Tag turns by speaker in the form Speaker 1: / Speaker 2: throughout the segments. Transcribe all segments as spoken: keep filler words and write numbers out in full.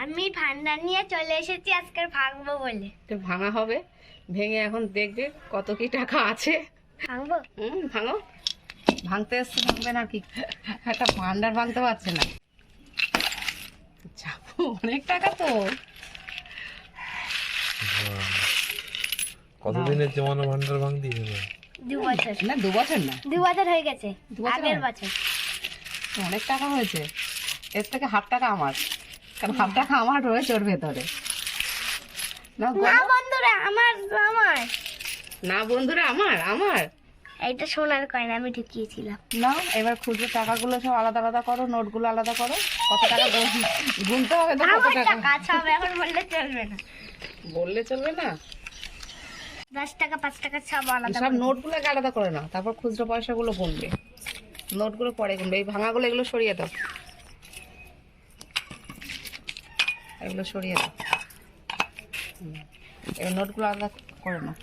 Speaker 1: আমি ভান্ডার নিয়ে চলে এসেছি আজকে ভাঙবো বলে।
Speaker 2: তো ভাঙা হবে, ভেঙে এখন দেখবে কত কি টাকা আছে।
Speaker 1: ভাঙবো?
Speaker 2: হুম, ভাঙো। ভাঙতে এসছে, ভাঙবে না কি? একটা ভান্ডার ভাঙতে পারছে না। চাপো, অনেক টাকা তো।
Speaker 3: কতদিনের জমানো ভান্ডার ভাঙ দিয়ে
Speaker 1: দু বছর
Speaker 2: না, দু বছর না,
Speaker 1: দু বছর হয়ে গেছে।
Speaker 2: দু বছর
Speaker 1: আগের
Speaker 2: হয়?
Speaker 1: বছর
Speaker 2: অনেক টাকা হয়েছে। এর থেকে হাফ টাকা আমার, কারণ হাফ টাকা আমার রয়েছে ওর ভেতরে। না গো-
Speaker 1: না বন্ধুরা, আমার আমার
Speaker 2: না বন্ধুরা, আমার আমার
Speaker 1: এইটা সোনার কয়েন আমি ঢুকিয়েছিলাম।
Speaker 2: না, এবার খুচরো টাকাগুলো সব আলাদা আলাদা করো, নোটগুলো আলাদা করো। কত টাকা গুন- গুনতে হবে তো, কত
Speaker 1: আমার
Speaker 2: টাকা
Speaker 1: টাকা সব এখন বললে চলবে না।
Speaker 2: বললে চলবে না।
Speaker 1: দশ টাকা পাঁচ টাকা সব আলাদা
Speaker 2: সব
Speaker 1: করে।
Speaker 2: নোটগুলোকে আলাদা করে নাও, তারপর খুচরো পয়সাগুলো গুনবে। নোটগুলো পরে গুনবে। এই ভাঙাগুলো এগুলো সরিয়ে দাও, এগুলো সরিয়ে দাও। হুম, এবার নোটগুলো আলাদা করে নাও।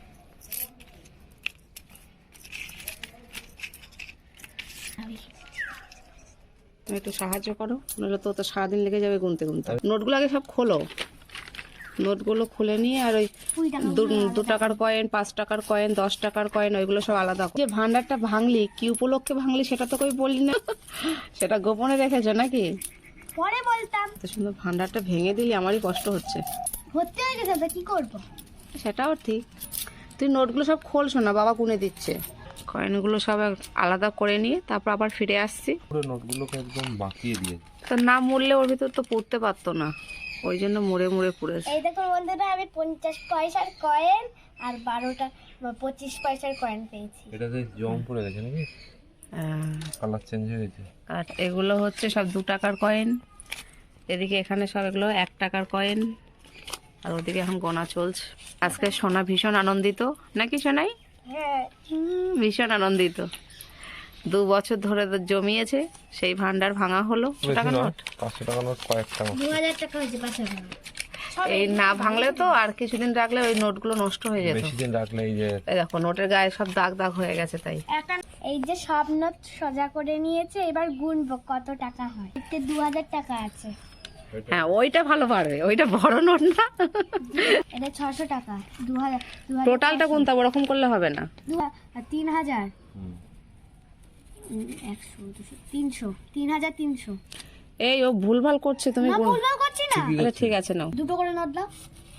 Speaker 2: তুমি একটু সাহায্য করো, নাহলে তো তো সারাদিন লেগে যাবে গুনতে গুনতে। নোটগুলো আগে সব খোলো, নোটগুলো খুলে নিয়ে আর ওই
Speaker 1: কুড়ি টাকা
Speaker 2: দু- দু টাকার কয়েন, পাঁচ টাকার কয়েন, দশ টাকার কয়েন, ওইগুলো সব আলাদা করো। যে ভান্ডারটা ভাঙলি, কি উপলক্ষে ভাঙলি সেটা তো কই বললি না। সেটা গোপনে রেখেছো নাকি?
Speaker 1: পরে বলতাম।
Speaker 2: এত সুন্দর ভান্ডারটা ভেঙে দিলি, আমারই কষ্ট হচ্ছে।
Speaker 1: ভর্তি হয়ে গেছে তো কি করবো?
Speaker 2: সেটাও ঠিক। তুই নোটগুলো সব খোলছো না, বাবা গুনে দিচ্ছে। কয়েনগুলো সব আলাদা করে নিয়ে তারপর আবার ফিরে আসছি।
Speaker 3: পুরো নোটগুলোকে একদম বাঁকিয়ে দিয়েছে।
Speaker 2: তো না মুড়লে ওর ভিতর তো পড়তে পারতো না, ওই জন্য মুড়ে মুড়ে পুড়েছে।
Speaker 1: এই দেখুন বন্ধুরা, আমি পঞ্চাশ পয়সার কয়েন আর বারোটা পঁচিশ পয়সার কয়েন পেয়েছি।
Speaker 3: এটাতে জং পড়ে গেছে নাকি?
Speaker 2: হ্যাঁ।
Speaker 3: কালার চেঞ্জ হয়ে গেছে।
Speaker 2: আর এগুলো হচ্ছে সব দু টাকার কয়েন। এদিকে এখানে সব এগুলো এক টাকার কয়েন। আর ওদিকে এখন গোনা চলছে। আজকে সোনা ভীষণ আনন্দিত নাকি সোনাই?
Speaker 1: হ্যাঁ,
Speaker 2: হুম, ভীষণ আনন্দিত। দু বছর ধরে তো জমিয়েছে, সেই ভান্ডার ভাঙা হলো।
Speaker 3: বেশি
Speaker 2: টাকা
Speaker 3: নয়,
Speaker 2: নোট
Speaker 3: পাঁচশো টাকা নোট কয়েকটা মতো।
Speaker 1: দু হাজার টাকা হয়েছে পাঁচশো টাকা।
Speaker 2: এই না ভাঙলে তো আর কিছুদিন রাখলে ওই নোটগুলো নষ্ট হয়ে যেত।
Speaker 3: বেশি দিন রাখলে এই যে
Speaker 2: এই দেখো নোটের গায়ে সব দাগ দাগ হয়ে গেছে। তাই
Speaker 1: এখন এই যে সব নোট সোজা করে নিয়েছে, এবার গুনবো কত টাকা হয়। এতে দু হাজার টাকা আছে।
Speaker 2: হ্যাঁ, ওইটা ভালো পারবে, ওইটা বড় নোট না।
Speaker 1: এটা ছশো টাকা। দু হাজার দু হাজার
Speaker 2: টোটালটা গুনতে হবে, ওরকম করলে হবে না।
Speaker 1: দু হা- আর তিন হাজার
Speaker 3: হুম।
Speaker 1: উম, একশো দুশো তিনশো তিন হাজার তিনশো।
Speaker 2: এই ও ভুলভাল করছে, তুমি
Speaker 1: না,
Speaker 2: গুন।
Speaker 1: ভুলভাল করছি না।
Speaker 2: আচ্ছা ঠিক আছে, নাও।
Speaker 1: দুটো করে নোট দাও।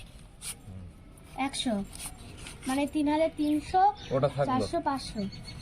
Speaker 1: একশো মানে তিন হাজার তিনশো,
Speaker 3: ওটা থাকলো
Speaker 1: চারশো, পাঁচশো,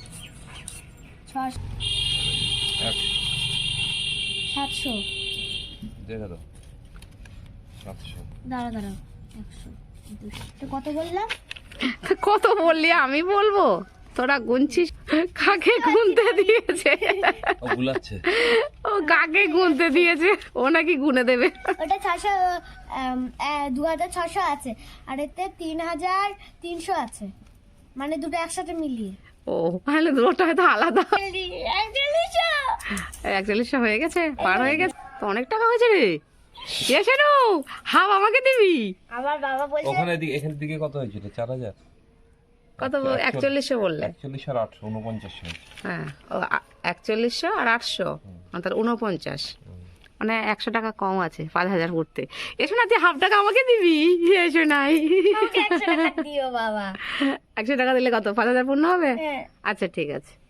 Speaker 1: ছশো,
Speaker 3: এক
Speaker 1: সাতশো।
Speaker 3: দেখে দাও সাতশো।
Speaker 1: দাঁড়া দাঁড়াও, একশো দুশো তো কত বললাম?
Speaker 2: কত বললি আমি বলবো? তোরা গুনছিস, কাকে গুনতে দিয়েছে?
Speaker 3: ও গুলাচ্ছে।
Speaker 2: ও কাকে গুনতে দিয়েছে, ও নাকি গুনে দেবে।
Speaker 1: ওটা ছশো, দু হাজার ছশো আছে আর এতে তিন হাজার তিনশো আছে, মানে দুটো একসাথে মিলিয়ে
Speaker 2: ও তাহলে দুটো হয়তো আলাদা।
Speaker 1: একচল্লিশশো।
Speaker 2: একচল্লিশশো হয়ে গেছে, পার হয়ে গেছে তো, অনেক টাকা হয়েছে রে। এসে নো হাফ আমাকে দিবি।
Speaker 1: আমার বাবা বলছে
Speaker 3: ওখানে দিকে এখানের দিকে কত হয়েছিল? চার হাজার
Speaker 2: কত? একচল্লিশশো বললে?
Speaker 3: একচল্লিশ আর আটশো উনপঞ্চাশ হয়েছে।
Speaker 2: হ্যাঁ, ও আ- একচল্লিশশো আর আটশো, তাহলে উনপঞ্চাশ, মানে একশো টাকা কম আছে পাঁচ হাজার করতে। এসো না, তুই হাফ টাকা আমাকে দিবি। এসো নাই,
Speaker 1: আমাকে একশো টাকা দিও বাবা।
Speaker 2: একশো টাকা দিলে কত? পাঁচ হাজার পূর্ণ হবে।
Speaker 1: হ্যাঁ।
Speaker 2: আচ্ছা ঠিক আছে।